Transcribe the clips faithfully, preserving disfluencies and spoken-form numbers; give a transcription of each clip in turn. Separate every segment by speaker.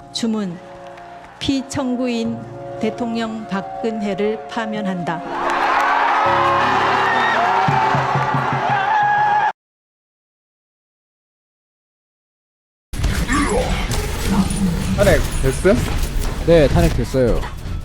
Speaker 1: 주문 피청구인 대통령 박근혜를 파면한다.
Speaker 2: 탄핵 됐음?
Speaker 3: 네, 탄핵됐어요.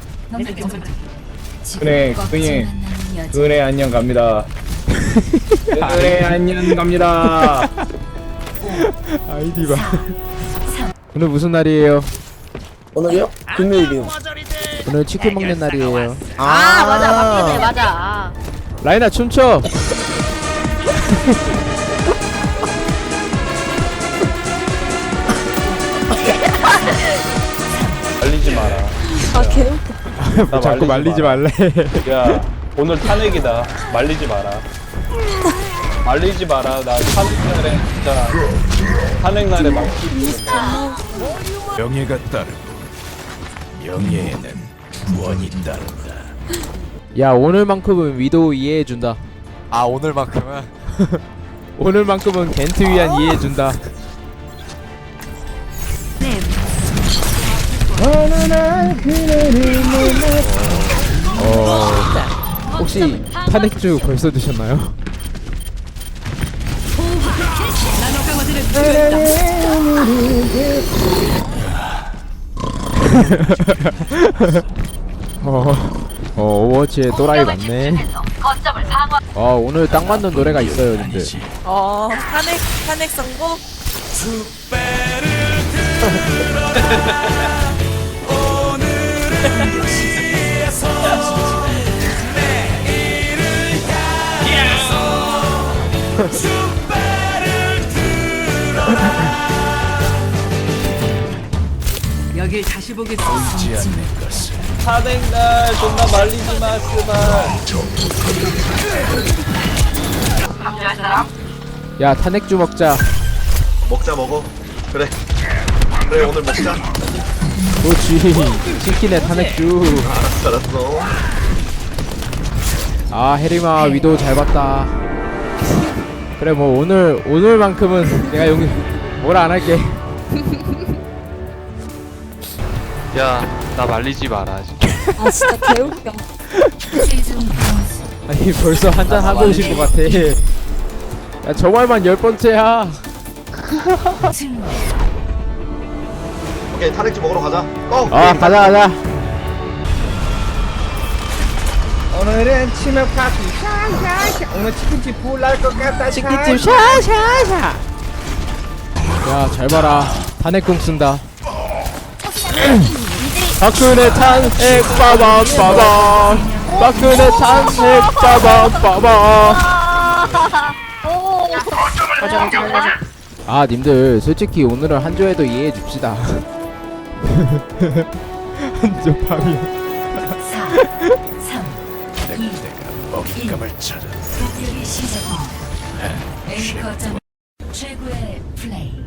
Speaker 2: 그래, 그니, 그래, 안녕 갑니다. 그래, 안녕 갑니다.
Speaker 3: 아이디 봐. 오늘 무슨 날이에요?
Speaker 4: 오늘요? 금요일이요.
Speaker 3: 오늘 치킨 먹는 날이에요.
Speaker 5: 아, 맞아 맞네 맞아. 아.
Speaker 3: 라인아 춤춰.
Speaker 6: 말리지 마라.
Speaker 4: 아 개웃겨.
Speaker 6: 나
Speaker 3: 자꾸 말리지 말래.
Speaker 6: 야, 오늘 탄핵이다. 말리지 마라. 말리지 마라. 나 탄핵날에 진짜 탄핵날에 말리지 마.
Speaker 7: 명예가 따르고 명예에는 구원이 따른다.
Speaker 3: 야, 오늘만큼은 위도우 이해해준다.
Speaker 8: 아 오늘만큼은
Speaker 3: 오늘만큼은 겐트 위한 이해해준다. 어, 혹시 탄핵주 벌써 드셨나요? 어, 어, 오버워치에 또라이 많네. 어, 오늘 딱 맞는 노래가 있어요, 근데.
Speaker 5: 어 탄핵 탄핵 선고.
Speaker 9: 여길 다시 보겠습니다.
Speaker 7: 보이지 않는 것을
Speaker 6: 탄핵날 존나 말리지 마, 씨발.
Speaker 3: 야, 탄핵주 먹자.
Speaker 8: 먹자 먹어. 그래 그래 오늘 먹자.
Speaker 3: 그렇지. 치킨에 탄핵주.
Speaker 8: 알았어 알았어.
Speaker 3: 아, 해리마 위도우 잘 봤다. 그래, 뭐 오늘 오늘만큼은 내가 여기 뭐라 안 할게.
Speaker 6: 야, 나 말리지 마라. 진짜.
Speaker 4: 아 진짜 개웃겨.
Speaker 3: 아니, 벌써 한잔 하고 오신 것 같아. 야, 저 말만 열 번째야.
Speaker 8: 오케이 탄핵지 먹으러 가자. 고!
Speaker 3: 아, 가자 가자.
Speaker 2: 오늘은 치맥 파티 샤샤샤. 오늘 치킨집 불날 것 같다.
Speaker 3: 치킨집 샤샤샤. 야, 잘 봐라. 탄핵공 쓴다. 박근혜 탄핵 빠밤 빠밤. 박근혜 탄핵 빠밤 빠밤. 아, 님들 솔직히 오늘은 한조에도 이해해 줍시다. 한조 파미.
Speaker 7: 내가 먹잇감을 찾아.
Speaker 9: 최고의 플레이.